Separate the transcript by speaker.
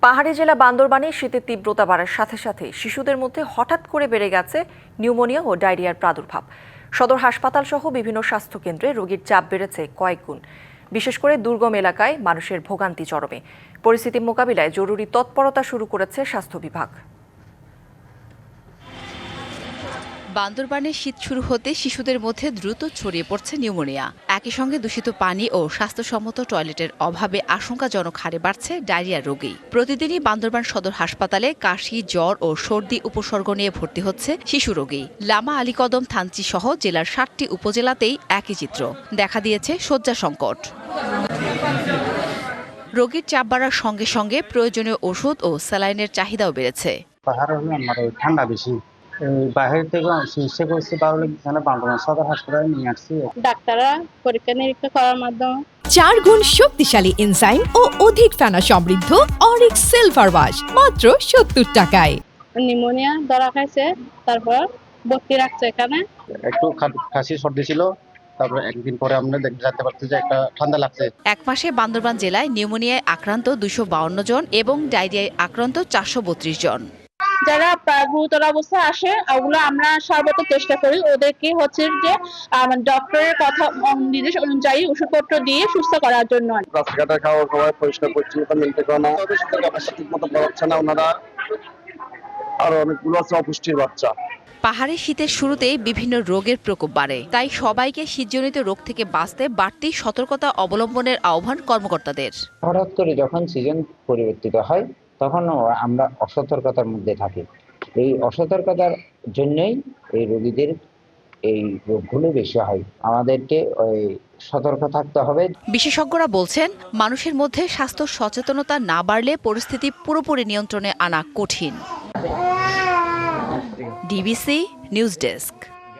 Speaker 1: পাহাড়ি জেলা বান্দরবানে শীতের তীব্রতা বাড়ার সাথে সাথে শিশুদের মধ্যে হঠাৎ করে বেড়ে গেছে নিউমোনিয়া ও ডায়রিয়ার প্রাদুর্ভাব। সদর হাসপাতাল সহ বিভিন্ন স্বাস্থ্যকেন্দ্রে রোগীর চাপ বেড়েছে কয়েক গুণ। বিশেষ করে দুর্গম এলাকায় মানুষের ভোগান্তি চরমে। পরিস্থিতি মোকাবিলায় জরুরি তৎপরতা শুরু করেছে স্বাস্থ্য বিভাগ।
Speaker 2: বান্দরবানে শীত শুরু হতে শিশুদের মধ্যে দ্রুত ছড়িয়ে পড়ছে নিউমোনিয়া। একই সঙ্গে দূষিত পানি ও স্বাস্থ্যসম্মত টয়লেটের অভাবে আশঙ্কাজনক হারে বাড়ছে ডায়রিয়া রোগী। প্রতিদিনই বান্দরবান সদর হাসপাতালে কাশি, জ্বর ও সর্দি উপসর্গ নিয়ে ভর্তি হচ্ছে শিশু রোগী। লামা আলীকদম থানচি সহ জেলার ৭টি উপজেলাতেই একই চিত্র। দেখা দিয়েছে শয্যা সংকট। রোগীর চাপ বাড়ার সঙ্গে সঙ্গে প্রয়োজনীয় ওষুধ ও স্যালাইনের চাহিদাও বেড়েছে।
Speaker 3: পাহাড় হলে আমার ঠান্ডা বেশি, বাইরে থেকে চিকিৎসা করছি, তাহলে বান্দরবান সদর হাসপাতালে নিয়ে আসছি।
Speaker 4: ডাক্তাররা পরীক্ষা নিরীক্ষা করার মাধ্যমে
Speaker 5: 4 গুণ শক্তিশালী এনজাইম ও অধিক ফেনা সমৃদ্ধ অরিক্স সিলভার ওয়াশ মাত্র 70 টাকায়।
Speaker 4: নিউমোনিয়া ধরা খাইছে, তারপর ভর্তি রাখছে এখানে।
Speaker 3: একটু কাশি সর্দি ছিল, তারপর একদিন পরে আমরা জানতে পারছি যে একটা ঠান্ডা লাগছে।
Speaker 2: এক মাসে বান্দরবান জেলায় নিউমোনিয়ায় আক্রান্ত 252 জন এবং ডায়রিয়ায় আক্রান্ত 432 জন।
Speaker 4: যারা গুরুতর অবস্থায় আসে ওগুলো আমরা সর্বত চেষ্টা করি ওদেরকে হচ্ছে যে ডক্টরের কথা নির্দেশ অনুযায়ী ওষুধপত্র দিয়ে সুস্থ করার জন্য।
Speaker 3: রাস্তাঘাটে খাওয়া খাওয়া পরিষ্কার পরিচ্ছন্নতা মেনটেন করা, তাদের সাথে ক্যাপাসিটি ঠিক মতো পাচ্ছে না ওনারা, আর অনেকগুলো আছে অপুষ্টির বাচ্চা।
Speaker 2: পাহাড়ে শীতের শুরুতেই বিভিন্ন রোগের প্রকোপ বাড়ে, তাই সবাইকে শীতজনিত রোগ থেকে বাঁচতে বাড়তি সতর্কতা অবলম্বনের আহ্বান কর্মকর্তাদের।
Speaker 6: হঠাৎ করে যখন সিজন পরিবর্তিত হয় তখন আমরা অসতর্কতার মধ্যে থাকি। এই অসতর্কতার জন্যই এই রোগীদের এই রোগগুলো বেশি হয়। আমাদেরকে সতর্ক থাকতে হবে।
Speaker 2: বিশেষজ্ঞরা বলছেন, মানুষের মধ্যে স্বাস্থ্য সচেতনতা না বাড়লে পরিস্থিতি পুরোপুরি নিয়ন্ত্রণে আনা কঠিন। DBC news desk.